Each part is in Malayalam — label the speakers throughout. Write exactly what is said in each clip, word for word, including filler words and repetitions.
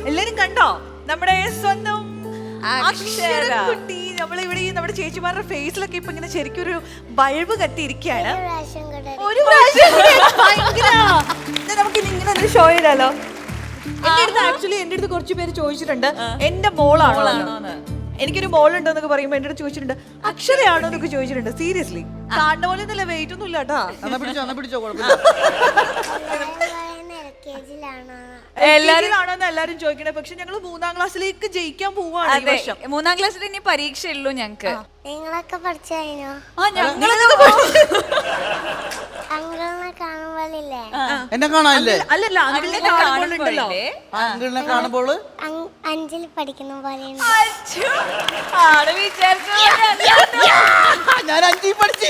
Speaker 1: എല്ലാരും കണ്ടോ നമ്മുടെ സ്വന്തം അക്ഷരക്കുട്ടി? നമ്മളിവിടെ നമ്മുടെ ചേച്ചിമാരുടെ ഫേസിലൊക്കെ ഇപ്പൊ ഇങ്ങനെ ശരിക്കും ഒരു ബൾബ് കത്തിയിരിക്കുകയാണ്. ഒരു പ്രാവശ്യം നമുക്ക് ഇങ്ങനെ ഷോ ചെയ്താലോ? എന്റെ അടുത്ത് ആക്ച്വലി എന്റെ അടുത്ത് കുറച്ച് പേര് ചോദിച്ചിട്ടുണ്ട് എന്റെ മോളാണോ, എനിക്കൊരു മോളുണ്ടോ എന്നൊക്കെ പറയുമ്പോ എന്റെ അടുത്ത് ചോദിച്ചിട്ടുണ്ട് അക്ഷരയാണോ എന്നൊക്കെ ചോദിച്ചിട്ടുണ്ട്. സീരിയസ്ലി കാണുന്ന പോലെ ഒന്നുമില്ല, വെയിറ്റ് ഒന്നും ഇല്ല കേട്ടാ. എല്ലാരും എല്ലാരും ചോദിക്കണേ. പക്ഷെ ഞങ്ങള് മൂന്നാം ക്ലാസ്സിലേക്ക് ജയിക്കാൻ പോവാണ് ഈ വർഷം.
Speaker 2: മൂന്നാം ക്ലാസ്സിൽ ഇനി പരീക്ഷ ഉള്ളൂ ഞങ്ങക്ക്.
Speaker 3: നിങ്ങളൊക്കെ പഠിച്ചു കഴിഞ്ഞോ?
Speaker 4: എന്നെ കാണാനില്ലേ?
Speaker 1: അല്ലല്ല അങ്കിളിനെ കാണുമ്പോഴുണ്ടല്ലോ,
Speaker 4: അങ്കിളിനെ കാണുമ്പോൾ
Speaker 3: അഞ്ചിൽ പഠിക്കുന്ന പോലെ
Speaker 4: ഞാൻ അഞ്ചിൽ പഠിച്ചു.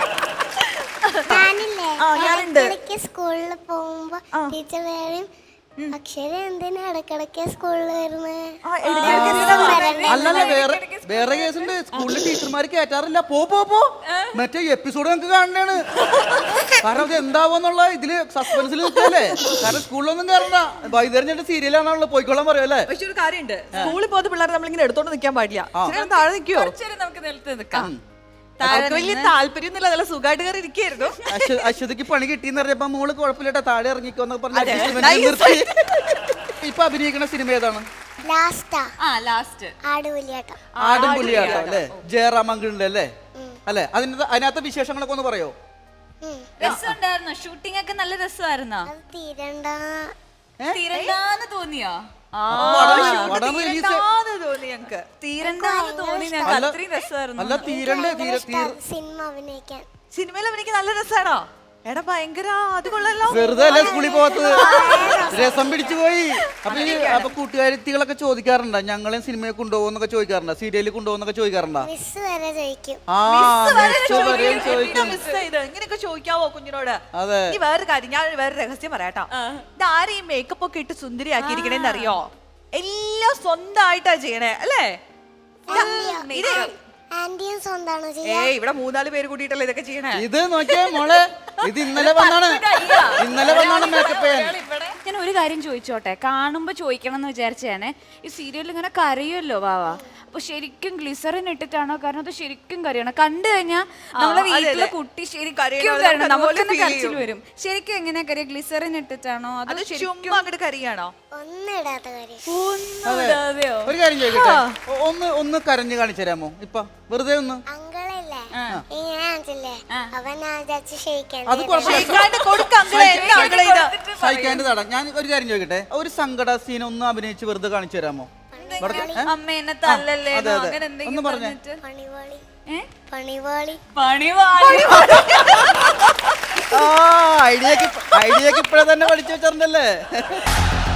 Speaker 3: ഞാനില്ലേ സ്കൂളിൽ പോകുമ്പോ ടീച്ചർ പറയും അക്ഷര എന്തിനാ ഇടക്കിടക്ക് സ്കൂളിൽ വരുന്നത്?
Speaker 4: അല്ലല്ല, വേറെ വേറെ കേസുണ്ട്. സ്കൂളിൽ ടീച്ചർമാർ കേറ്റാറില്ല. പോ പോ പോ മറ്റേ എപ്പിസോഡ് നമുക്ക് കാണണേണ്. കാരണം ഇത് എന്താവെന്നുള്ള ഇതില് സസ്പെൻസിൽ നിൽക്കല്ലേ. കാരണം സ്കൂളിലൊന്നും കയറണ്ട, വൈകുന്നേരം ചേട്ടൻ സീരിയലാണല്ലോ, പോയിക്കോളാൻ പറയുമല്ലേ.
Speaker 1: പക്ഷെ ഒരു കാര്യമുണ്ട്, സ്കൂളിൽ പോകുന്ന പിള്ളേർ നമ്മളിങ്ങനെ എടുത്തോണ്ട് നിൽക്കാൻ പാടില്ല. താഴെ നിൽക്കുവോ?
Speaker 2: നമുക്ക് നിലത്ത് നിൽക്കാം.
Speaker 1: വലിയ താല്പര്യം ഒന്നുമില്ല, നല്ല സുഖമായിട്ട് കയറി ഇരിക്കായിരുന്നു.
Speaker 4: അശ്വതിക്ക് പണി കിട്ടിയെന്ന് പറഞ്ഞപ്പോ മോള് കുഴപ്പമില്ല താഴെ ഇറങ്ങിക്കോന്നൊക്കെ പറഞ്ഞു. ഇപ്പൊ അഭിനയിക്കുന്ന സിനിമ ഏതാണ്? ആടുപുലിയാട്ടം അല്ലേ? ജയറാം അങ്കിളിന്റെ അല്ലേ? അല്ലെ? അതിന് അതിനകത്തെ വിശേഷങ്ങളൊക്കെ ഒന്ന് പറയോ?
Speaker 2: രസമുണ്ടായിരുന്നോ? ഷൂട്ടിംഗ് ഒക്കെ നല്ല രസമായിരുന്നോ? തീരണ്ടാന്ന് തോന്നിയോ?
Speaker 1: സിനിമയിൽ അഭിനയിക്കാൻ നല്ല രസാണോ? എടാ ഭയങ്കര അത് കൊള്ളല്ലോ.
Speaker 4: വെറുതെ അല്ലേ സ്കൂളിൽ പോകത്തത്, രസം പിടിച്ചു പോയി. അപ്പൊ ഈ അപ്പൊ കൂട്ടുകാരികളൊക്കെ ചോദിക്കാറുണ്ടോ ഞങ്ങളെ സിനിമയെ കൊണ്ടുപോകുന്നൊക്കെ ചോദിക്കാറുണ്ടോ? സീരിയലിൽ കൊണ്ടുപോകുന്നൊക്കെ ചോദിക്കാറുണ്ടോ?
Speaker 1: ഇങ്ങനെയൊക്കെ ചോദിക്കാവോ കുഞ്ഞിനോട്?
Speaker 4: അതെ.
Speaker 1: ഈ വേറെ കാര്യം, ഞാൻ വേറെ രഹസ്യം പറയാട്ടോ. ഇതാരും ഈ മേക്കപ്പ് ഒക്കെ ഇട്ട് സുന്ദരിയാക്കിയിരിക്കണേന്ന് അറിയോ? എല്ലാം സ്വന്തമായിട്ടാ ചെയ്യണേ അല്ലേ? ഏയ് ഇവിടെ മൂന്നാല് പേര് കൂടിയിട്ടല്ലേ ഇതൊക്കെ ചെയ്യണേ.
Speaker 4: ഇത് നോക്കിയേ മോളെ, ഇത് ഇന്നലെ വന്നാണ് ഇന്നലെ വന്നാണ് മേക്കപ്പ് ചെയ്യാൻ.
Speaker 2: ഞാൻ ഒരു കാര്യം ചോദിച്ചോട്ടെ, കാണുമ്പോ ചോദിക്കണം എന്ന് വിചാരിച്ചാണ്. ഈ സീരിയലിൽ ഇങ്ങനെ കരയുമല്ലോ വാവ, അപ്പൊ ശരിക്കും ഗ്ലിസറിൻ ഇട്ടിട്ടാണോ? കാരണം അത് ശരിക്കും കരയണം. കണ്ടു കഴിഞ്ഞാൽ നമ്മളെ വീട്ടിലെ കുട്ടി ശരിക്കും കരയണം, നമുക്ക് തന്നെ കരച്ചിൽ വരും. ശരിക്കും എങ്ങനെയാ കരയ? ഗ്ലിസറിൻ ഇട്ടിട്ടാണോ അതോ ശരിക്കും
Speaker 1: അങ്ങോട്ട് കരയാണോ?
Speaker 4: ഒരു കാര്യം ചോദിക്കട്ടെ, ഒന്ന് ഒന്ന് കരഞ്ഞു കാണിച്ചു തരാമോ? ഇപ്പൊ വെറുതെ ഒന്ന്. അത് സഹിക്കാണ്ട് തട. ഞാൻ ഒരു കാര്യം ചോദിക്കട്ടെ, ഒരു സങ്കട സീൻ ഒന്ന് അഭിനയിച്ച് വെറുതെ കാണിച്ചു തരാമോ?
Speaker 2: അമ്മ എന്നെ തല്ലല്ലേ അങ്ങനെ
Speaker 4: ഒന്ന് പറഞ്ഞേ. ഐഡിയക്ക് ഐഡിയക്ക് ഇപ്പഴേ തന്നെ പഠിച്ചു വെച്ചിട്ടുണ്ടല്ലേ.